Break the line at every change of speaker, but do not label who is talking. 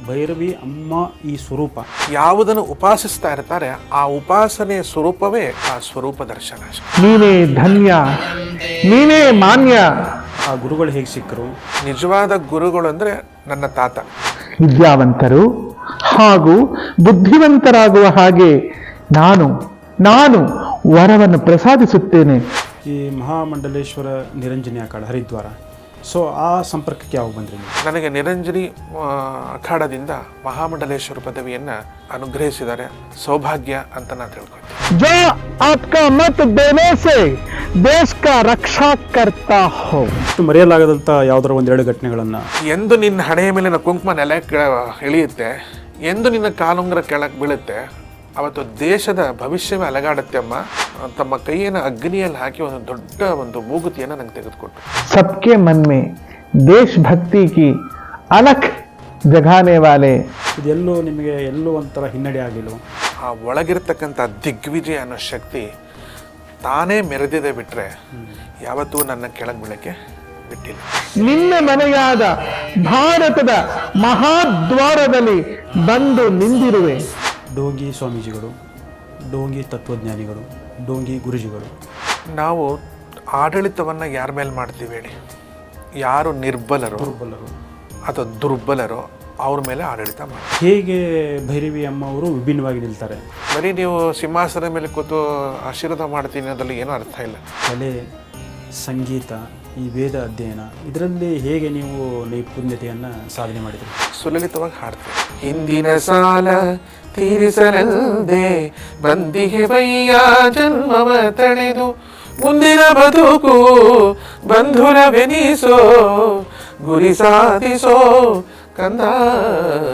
ಭೈರವಿ ಅಮ್ಮ ಈ ಸ್ವರೂಪ
ಯಾವುದನ್ನು ಉಪಾಸಿಸ್ತಾ ಇರ್ತಾರೆ ಆ ಉಪಾಸನೆಯ ಸ್ವರೂಪವೇ ಆ ಸ್ವರೂಪ ದರ್ಶನ.
ನೀನೇ ಧನ್ಯ, ನೀನೇ ಮಾನ್ಯ.
ಆ ಗುರುಗಳು ಹೇಗೆ ಸಿಕ್ಕರು?
ನಿಜವಾದ ಗುರುಗಳು ಅಂದರೆ ನನ್ನ ತಾತ.
ವಿದ್ಯಾವಂತರು ಹಾಗೂ ಬುದ್ಧಿವಂತರಾಗುವ ಹಾಗೆ ನಾನು ವರವನ್ನು ಪ್ರಸಾದಿಸುತ್ತೇನೆ.
ಈ ಮಹಾಮಂಡಲೇಶ್ವರ ನಿರಂಜನಿ ಅಖಾಡ ಹರಿದ್ವಾರ, ಸೊ ಆ ಸಂಪರ್ಕಕ್ಕೆ ಯಾವಾಗ ಬಂದ್ರಿ ನೀವು?
ನನಗೆ ನಿರಂಜನಿ ಅಖಾಡದಿಂದ ಮಹಾಮಂಡಲೇಶ್ವರ ಪದವಿಯನ್ನು ಅನುಗ್ರಹಿಸಿದ್ದಾರೆ. ಸೌಭಾಗ್ಯ ಅಂತ ನಾನು ತಿಳ್ಕೊತೀನಿ.
जो आपका मत देने से देश का रक्षा करता हो.
ಮರೆಯಲಾಗದಂಥ ಯಾವ್ದಾರ ಒಂದೆರಡು ಘಟನೆಗಳನ್ನು.
ಎಂದು ನಿನ್ನ ಹಣೆಯ ಮೇಲಿನ ಕುಂಕುಮ ನೆಲ ಇಳಿಯುತ್ತೆ, ಎಂದು ನಿನ್ನ ಕಾಲುಂಗರ ಕೆಳಗೆ ಬೀಳುತ್ತೆ, ಅವತ್ತು ದೇಶದ ಭವಿಷ್ಯವೇ ಅಲಗಾಡುತ್ತೆ ಅಮ್ಮ. ತಮ್ಮ ಕೈಯನ್ನು ಅಗ್ನಿಯಲ್ಲಿ ಹಾಕಿ ಒಂದು ದೊಡ್ಡ ಒಂದು ಮೂಗುತಿಯನ್ನು ನಂಗೆ ತೆಗೆದುಕೊಟ್ಟು.
सबके मन में देशभक्ति की अलख जगाने वाले.
ಇದೆಲ್ಲೂ ನಿಮಗೆ ಎಲ್ಲೂ ಒಂಥರ ಹಿನ್ನಡೆ ಆಗಲಿಲ್ಲ?
ಆ ಒಳಗಿರ್ತಕ್ಕಂಥ ದಿಗ್ವಿಜಯ ಅನ್ನೋ ಶಕ್ತಿ ತಾನೇ ಮೆರೆದಿದೆ ಬಿಟ್ಟರೆ ಯಾವತ್ತೂ ನನ್ನ ಕೆಳಗೆ ಬೀಳಕ್ಕೆ ಬಿಟ್ಟಿಲ್ಲ.
ನಿನ್ನ ಮನೆಯಾದ ಭಾರತದ ಮಹಾದ್ವಾರದಲ್ಲಿ ಬಂದು ನಿಂದಿರುವೆ.
ಡೋಂಗಿ ಸ್ವಾಮೀಜಿಗಳು, ಡೋಂಗಿ ತತ್ವಜ್ಞಾನಿಗಳು, ಡೋಂಗಿ ಗುರುಜಿಗಳು.
ನಾವು ಆಡಳಿತವನ್ನು ಯಾರ ಮೇಲೆ ಮಾಡ್ತೀವಿ ಹೇಳಿ? ಯಾರು ನಿರ್ಬಲರು ಅಥವಾ ದುರ್ಬಲರು ಅವ್ರ ಮೇಲೆ ಆಡಳಿತ ಮಾಡಿ.
ಹೇಗೆ ಭೈರವಿ ಅಮ್ಮ ಅವರು ವಿಭಿನ್ನವಾಗಿ ನಿಲ್ತಾರೆ?
ಬರೀ ನೀವು ಸಿಂಹಾಸನದ ಮೇಲೆ ಕೂತು ಆಶೀರ್ವಾದ ಮಾಡ್ತೀನಿ ಅನ್ನೋದ್ರಲ್ಲಿ ಏನೂ ಅರ್ಥ ಇಲ್ಲ.
ಕಲೆ, ಸಂಗೀತ, ಈ ವೇದ ಅಧ್ಯಯನ, ಇದರಲ್ಲಿ ಹೇಗೆ ನೀವು ನೈಪುಣ್ಯತೆಯನ್ನು ಸಾಧನೆ ಮಾಡಿದ್ರಿ?
ಸುಲಲಿತವಾಗಿ ಹಾಡ್ತೀವಿ. ಹಿಂದಿನ ಸಾಲ ತೀರಿಸಲಲ್ಲದೆ ಬಂದಿಗೆ ಬಯ್ಯ ಜನ್ಮವ ತಳೆದು ಮುಂದಿನ ಬದುಕು ಬಂಧುರವೆನಿಸೋ ಗುರಿ ಸಾಧಿಸೋ ಕಂದ